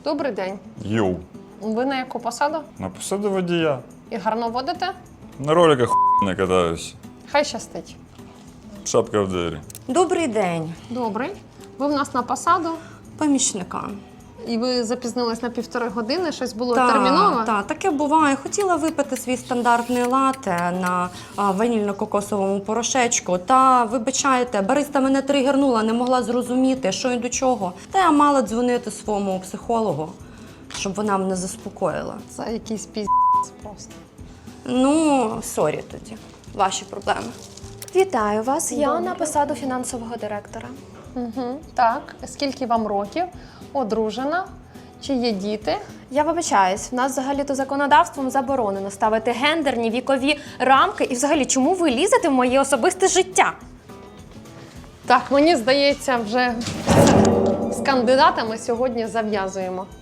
Добрий день. Йоу. Ви на яку посаду? На посаду водія. І гарно водите? На роликах не катаюсь. Хай щастить. Шапка в двері. Добрий день, Добрий. Ви в нас на посаду, помічника. і ви запізнились на 1,5 години, щось було терміново? Так, таке буває. Хотіла випити свій стандартний лате на ванільно-кокосовому порошечку. Та, вибачайте, бариста мене тригернула, не могла зрозуміти, що і до чого. Та я мала дзвонити своєму психологу, щоб вона мене заспокоїла. Це якийсь піздець просто. Ну, сорі тоді. Ваші проблеми. Вітаю вас, я на посаду фінансового директора. Угу. Так, скільки вам років? Одружена? Чи є діти? Я вибачаюсь, в нас взагалі-то законодавством заборонено ставити гендерні вікові рамки. І взагалі, чому ви лізете в моє особисте життя? Так, мені здається, вже з кандидатами сьогодні зав'язуємо.